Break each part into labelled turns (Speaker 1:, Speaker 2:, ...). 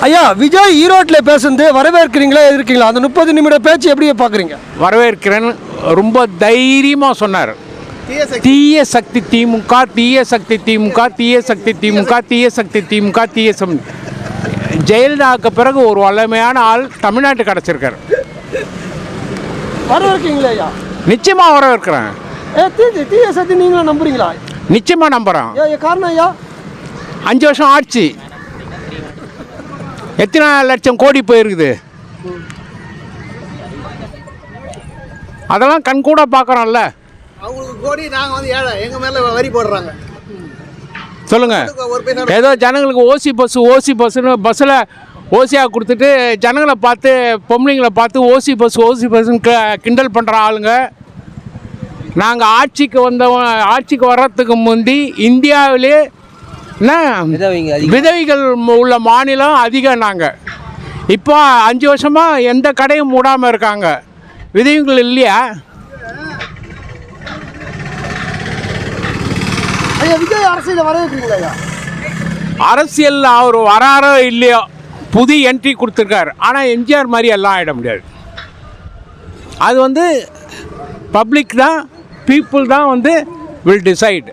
Speaker 1: ஐயா, விஜய் ஈரோட்டில் பேசுனது வரவேற்கிறீங்களா எதிர்க்கிறீங்களா? அந்த 30 நிமிட பேச்சு எப்படி பார்க்குறீங்க?
Speaker 2: வரவேற்கிறேன்னு ரொம்ப தைரியமாக சொன்னார். தீய சக்தி திமுக, தீய சக்தி திமுக, தீய சக்தி திமுக, தீய சக்தி திமுக, ஜெயலலிதாவுக்கு பிறகு ஒரு வல்லமையான ஆள் தமிழ்நாட்டு கிடச்சிருக்காரு.
Speaker 1: வரவேற்கிறீங்களா ஐயா?
Speaker 2: நிச்சயமாக வரவேற்கிறேன்.
Speaker 1: தீய சக்தி நீங்களும் நம்புறீங்களா?
Speaker 2: நிச்சயமாக நம்புகிறேன்.
Speaker 1: காரணம் ஐயா,
Speaker 2: 5 வருஷம் ஆட்சி எத்தனை லட்சம் கோடி போயிருக்குது, அதெல்லாம் கண்கூட பார்க்குறோம்ல.
Speaker 3: அவங்களுக்கு கோடி, நாங்கள் வந்து ஏழை, எங்கள் மேலே வரி போடுறாங்க.
Speaker 2: சொல்லுங்கள், ஏதோ ஜனங்களுக்கு ஓசி பஸ்ஸுன்னு பஸ்ஸில் ஓசியாக கொடுத்துட்டு ஜனங்களை பார்த்து, பொம்பளைங்களை பார்த்து ஓசி பஸ்ஸுன்னு கிண்டல் பண்ணுற ஆளுங்க. நாங்கள் ஆட்சிக்கு வர்றதுக்கு முந்தி இந்தியாவிலே விதவைகள் உள்ள மாநிலம் அதிகம். நாங்கள் இப்போ 5 வருஷமாக எந்த கடையும் மூடாமல் இருக்காங்க. விதவைகள் இல்லையா?
Speaker 1: விஜய் அரசியல் வரவேற்கிறீங்களா?
Speaker 2: அரசியலில் அவர் வராரோ இல்லையோ புது என்ட்ரி கொடுத்துருக்காரு. ஆனால் எம்ஜிஆர் மாதிரி எல்லாம் ஆகிட முடியாது. அது வந்து பப்ளிக் தான், பீப்புள் தான் வந்து வில் டிசைட்.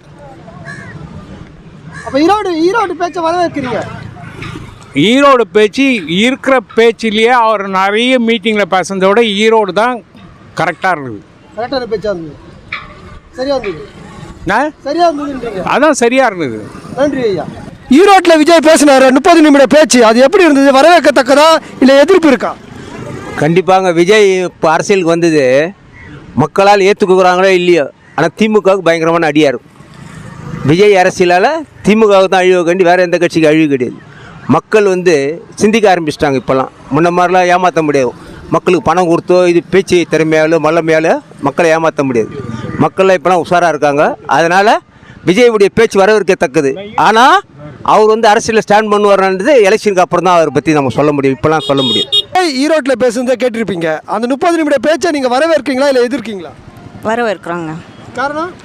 Speaker 1: அப்போ ஈரோடு பேச்சை வரவேற்கிறீங்க?
Speaker 2: ஈரோடு பேச்சு இருக்கிற பேச்சிலேயே அவர் நிறைய மீட்டிங்கில் பேசுனதை விட ஈரோடு தான் கரெக்டாக இருக்குது.
Speaker 1: கரெக்டான பேச்சா இருந்தது, சரியா இருந்தது.
Speaker 2: சரியா இருந்தது, அதான் சரியாக இருந்தது.
Speaker 1: நன்றி ஐயா. ஈரோட்டில் விஜய் பேசினார் 30 நிமிட பேச்சு, அது எப்படி இருந்தது? வரவேற்கத்தக்கதா இல்லை எதிர்ப்பு இருக்கா?
Speaker 4: கண்டிப்பாங்க. விஜய் இப்போ அரசியலுக்கு வந்தது மக்களால் ஏற்றுக்குறாங்களோ இல்லையோ, ஆனால் திமுகவுக்கு பயங்கரமான அடியாக இருக்கும். விஜய் அரசியலால் திமுகவுக்கு தான் அழிவு கண்டி, வேறு எந்த கட்சிக்கு அழிவு கிடையாது. மக்கள் வந்து சிந்திக்க ஆரம்பிச்சிட்டாங்க. இப்போல்லாம் முன்ன மாதிரிலாம் ஏமாற்ற முடியாது. மக்களுக்கு பணம் கொடுத்தோ இது பேச்சு திறமையாலோ மல்லமையாலோ மக்களை ஏமாற்ற முடியாது. மக்கள்லாம் இப்போலாம் உஷாராக இருக்காங்க. அதனால் விஜயுடைய பேச்சு வரவேற்கத்தக்கது. ஆனால் அவர் வந்து அரசியலில் ஸ்டாண்ட் பண்ணுவார்ன்றது எலெக்ஷனுக்கு அப்புறம் தான் அவரை பற்றி நம்ம சொல்ல முடியும். இப்போலாம் சொல்ல முடியும்.
Speaker 1: ஈரோட்டில் பேசுனதை கேட்டிருப்பீங்க. அந்த 30 நிமிட பேச்சை நீங்கள் வரவேற்கிறீங்களா இல்லை எதிர்க்கீங்களா?
Speaker 5: வரவேற்கிறோங்க.
Speaker 1: காரணம்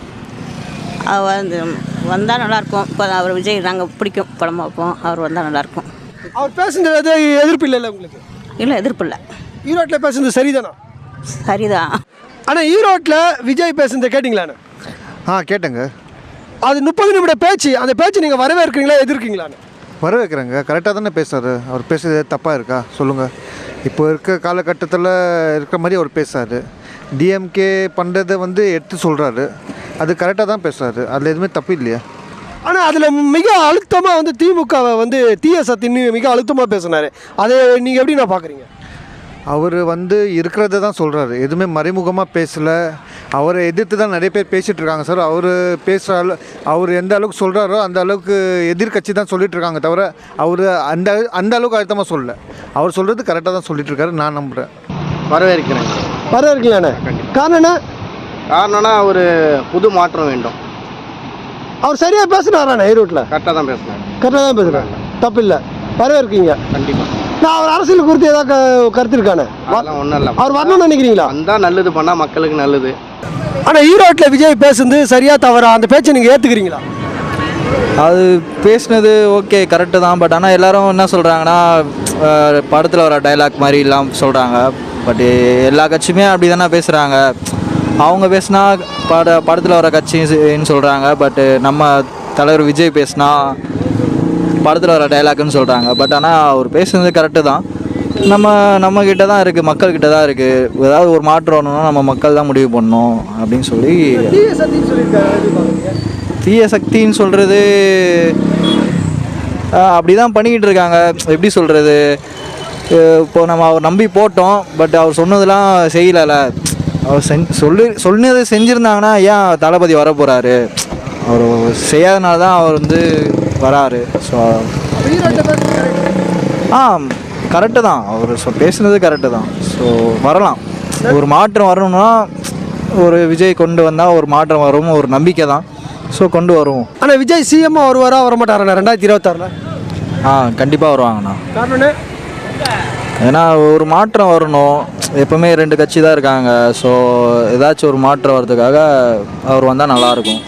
Speaker 5: அவர் வந்தால் நல்லாயிருக்கும். இப்போ அவர் விஜய் நாங்கள் பிடிக்கும், படம் பார்ப்போம். அவர் வந்தால் நல்லாயிருக்கும்.
Speaker 1: அவர் பேசுனது எதிர்ப்பு இல்லை உங்களுக்கு?
Speaker 5: இல்லை, எதிர்ப்பு இல்லை.
Speaker 1: ஈரோட்டில் பேசுனது சரிதானா?
Speaker 5: சரிதான்.
Speaker 1: ஆனால் ஈரோட்டில் விஜய் பேசுனதை கேட்டிங்களாண்ணே?
Speaker 6: கேட்டேங்க.
Speaker 1: அது 30 நிமிட பேச்சு, அந்த பேச்சு நீங்கள் வரவேற்கிறீங்களா எதிர்க்கிறீங்களாண்ணே?
Speaker 6: வரவேற்கிறேங்க. கரெக்டாக தானே பேசுறாரு. அவர் பேசுறது தப்பாக இருக்கா சொல்லுங்கள்? இப்போ இருக்க காலகட்டத்தில் இருக்கிற மாதிரி அவர் பேசுகிறாரு. டிஎம்கே பண்ணுறதை வந்து எடுத்து சொல்கிறாரு. அது கரெக்டாக தான் பேசுகிறாரு. அதில் எதுவுமே தப்பு இல்லையா?
Speaker 1: ஆனால் அதில் மிக அழுத்தமாக வந்து திமுகவை வந்து தீய சக்தின்னு மிக அழுத்தமாக பேசினார். அதை நீங்கள் எப்படி நான் பார்க்குறீங்க?
Speaker 6: அவர் வந்து இருக்கிறத தான் சொல்கிறாரு. எதுவுமே மறைமுகமாக பேசலை. அவரை எதிர்த்து தான் நிறைய பேர் பேசிகிட்டு இருக்காங்க சார். அவர் பேசுகிற அவர் எந்த அளவுக்கு சொல்கிறாரோ அந்த அளவுக்கு எதிர்கட்சி தான் சொல்லிட்டு இருக்காங்க தவிர அவர் அந்த அளவுக்கு அழுத்தமாக சொல்லலை. அவர் சொல்கிறது கரெக்டாக தான் சொல்லிட்டு இருக்காரு. நான் நம்புகிறேன்.
Speaker 3: வரவேற்கிறேன்.
Speaker 1: வரவேற்கலாண்ணே. காரணம்னா
Speaker 3: ஒரு புது மாற்றம் வேண்டும்.
Speaker 1: அவர் சரியாக பேசுனாராண்ணே? ஈரோட்டில்
Speaker 3: கரெக்டாக தான் பேசுனார்.
Speaker 1: கரெக்டாக தான் பேசுகிறாங்க, தப்பு இல்லை. வரவேற்கீங்க?
Speaker 3: கண்டிப்பாக.
Speaker 1: நான் அவர் அரசியல் குறித்து ஏதாவது கருத்து இருக்கானே?
Speaker 3: ஒன்றும் இல்லை.
Speaker 1: அவர் வரணும்னு நினைக்கிறீங்களா?
Speaker 3: வந்தால் நல்லது, பண்ணால் மக்களுக்கு நல்லது.
Speaker 1: ஆனால் ஈரோட்டில் விஜய் பேசுனது சரியாக தவறா? அந்த பேச்சை நீங்கள் ஏற்றுக்கிறீங்களா?
Speaker 7: அது பேசுனது ஓகே, கரெக்டு தான். பட் ஆனால் எல்லோரும் என்ன சொல்கிறாங்கன்னா, படத்தில் வர டைலாக் மாதிரி இல்லாமல் சொல்கிறாங்க. பட் எல்லா கட்சியுமே அப்படி தானே பேசுகிறாங்க. அவங்க பேசுனா படத்தில் வர கட்சின்னு சொல்கிறாங்க. பட்டு நம்ம தலைவர் விஜய் பேசுனா படத்தில் வர டைலாக்னு சொல்கிறாங்க. பட் ஆனால் அவர் பேசுனது கரெக்டு தான். நம்மக்கிட்ட தான் இருக்குது, மக்கள்கிட்ட தான் இருக்குது. ஏதாவது ஒரு மாற்றம் வரணும்னா நம்ம மக்கள் தான் முடிவு பண்ணணும் அப்படின்னு சொல்லி. தீய சக்தின்னு சொல்கிறது அப்படி தான் பண்ணிக்கிட்டு இருக்காங்க. எப்படி சொல்கிறது, இப்போது நம்ம அவர் நம்பி போட்டோம். பட் அவர் சொன்னதெல்லாம் செய்யலை. அவர் சொன்னது செஞ்சுருந்தாங்கன்னா ஏன் தளபதி வர போகிறாரு? அவர் செய்யாதனால தான் அவர் வந்து வராரு. ஸோ கரெக்டு தான். அவர் பேசுனது கரெக்டு தான். ஸோ வரலாம். ஒரு மாற்றம் வரணும்னா ஒரு விஜய் கொண்டு வந்தால் ஒரு மாற்றம் வரும், ஒரு நம்பிக்கை தான். ஸோ கொண்டு வருவோம்.
Speaker 1: ஆனால் விஜய் சிஎம்மாக வருவாரா வரமாட்டாரண்ணா 2026?
Speaker 7: கண்டிப்பாக வருவாங்கண்ணா.
Speaker 1: காரணம்னு
Speaker 7: ஏன்னா ஒரு மாற்றம் வரணும். எப்போவுமே 2 கட்சி தான் இருக்காங்க. ஸோ ஏதாச்சும் ஒரு மாற்றம் வர்றதுக்காக அவர் வந்தால் நல்லாயிருக்கும்.